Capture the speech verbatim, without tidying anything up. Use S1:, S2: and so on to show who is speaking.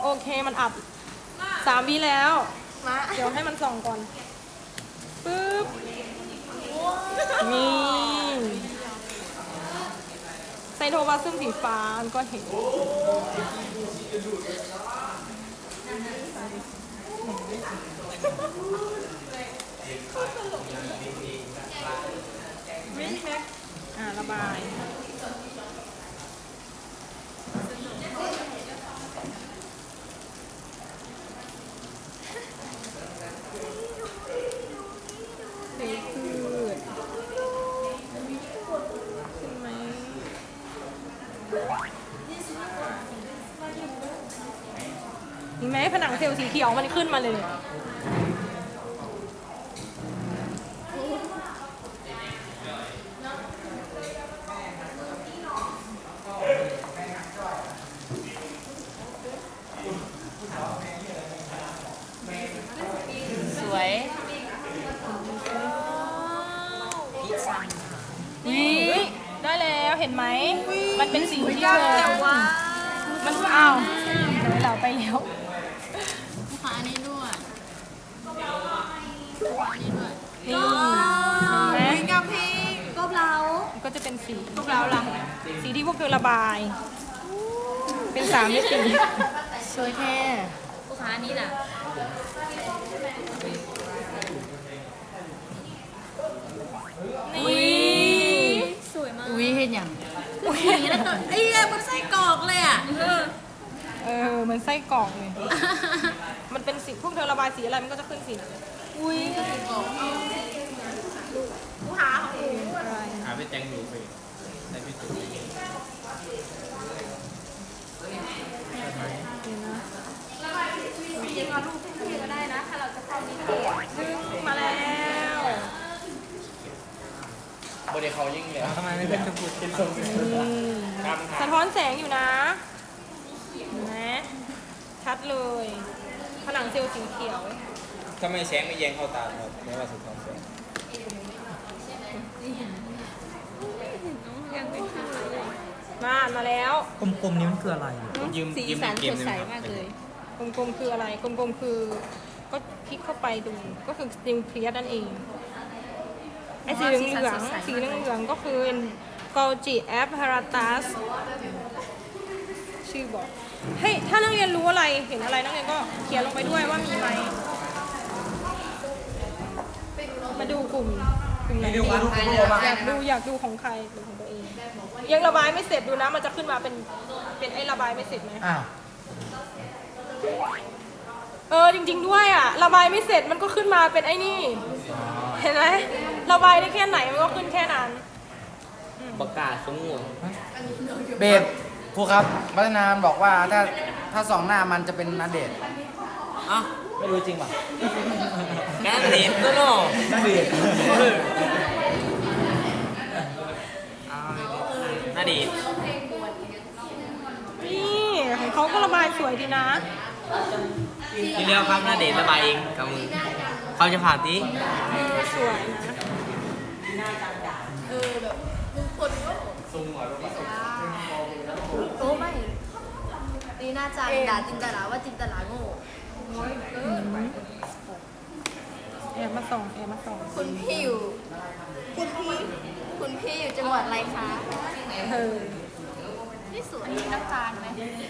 S1: โอเคมันอับสามวิแล้วเดี๋ยวให้มันส่องก่อนปึ๊บนี่ไซโทพลาซึมสีฟ้ามันก็เห็นอ่าระบายเห็นไหมผนังเซลล์สีเขียวมันขึ้นมาเลย
S2: สวย
S1: นี่ได้แล้วเห็นไหมมันเป็นสีที่เธอมันอ้าวเดี๋ยวเราไปแล้ว
S2: ลูกค้าอันนี้ด้วยอันนี้ด้วย
S1: นี่เห็นไหม
S2: กับเพลงกบเรา
S1: ก็จะเป็นสี
S2: กบเราล่ะ
S1: สีที่พวกเธอระบายเป็นสามมิติ
S2: สวยแท้ลูกค้าอันนี้ล่ะ
S1: นี่
S2: สวยมากอุ้ยเห็นอย่างอุ้ยแล้วตัวไอ้เหี้ยมันไส้กรอกเลยอ่ะ
S1: เออมันไส้กรอกเลยมันเป็นสีพวกเธอระบายสีอะไรมันก็จะขึ้นสีนั้น
S2: อุ้ยไส้กรอกลูกค้าของเอง
S3: หาไปแจ้งดูไปได้พี่ตุ๊ก
S2: จริงๆเราลูกพี่ก็ได้นะถ้าเราจะเข้านิเทศ
S1: ซึ่งมาแล้ว
S3: บริเขายิ่งเลยทำไมไม่เป็นชมพูเป็นทรง
S1: สะท้อนแสงอยู่นะเห็นไหมชัดเลยผนังเซลล์สีเขียว
S3: ทำไมแสงไม่แยงเข้าตาครับไม่ว่าสะท้อนแสง
S1: มามาแล้ว
S4: กลมๆนี้มันคืออะไร
S3: ยืม
S2: สีสันสดใสมากเลย
S1: กลมๆคืออะไรกลมๆคือก็คลิกเข้าไปดูก็คือสติมเพลียนั่นเองไอ้สีเหลืองสีเหลืองก็คือกอลจิแอปพาราตัสชื่อบอกเฮ้ยถ้านักเรียนรู้อะไรเห็นอะไรนักเรียนก็เขียนลงไปด้วยว่ามีไหมมาดูกลุ่มกลุ่มไหนดีอยากดูอยากดูของใครหรือของตัวเองยังระบายไม่เสร็จดูนะมันจะขึ้นมาเป็นเป็นไอ้ระบายไม่เสร็จไหม
S4: อ้าว
S1: เออจริงๆด้วยอ่ะระบายไม่เสร็จมันก็ขึ้นมาเป็นไอ้นี่เห็นไหมระบายได้แค่ไหนมันก็ขึ้นแค่นั้น
S3: ประกาศสงวน
S4: เบฟครูครับพัฒนาบอกว่าถ้าถ้าสองหน้ามันจะเป็นนาเดช
S3: อ้าว
S4: ไม่รู้จริงป่ะ
S3: นาเดชก็โน่
S4: นาเดช
S3: นาเดช
S1: นี่ของเขาก็ระบายสวยดีนะ
S3: ทีเดียวครับนาเดชระบายเองกับมือเขาจะผ่านที
S1: สวยนะ
S2: เออแบบทุกคนก็ซุ่มหน่อยว่าโอ้ไม่ตีหน้าจานด่าจินตลาว่าจินตลาโง่
S1: แอบมาส่องแอบมาส่อง
S2: คุณพี่อยู่คุณพี่คุณพี่อยู่จังหวัดอะไรคะ
S1: เออ
S2: นี่สวยน้ำตาลไหม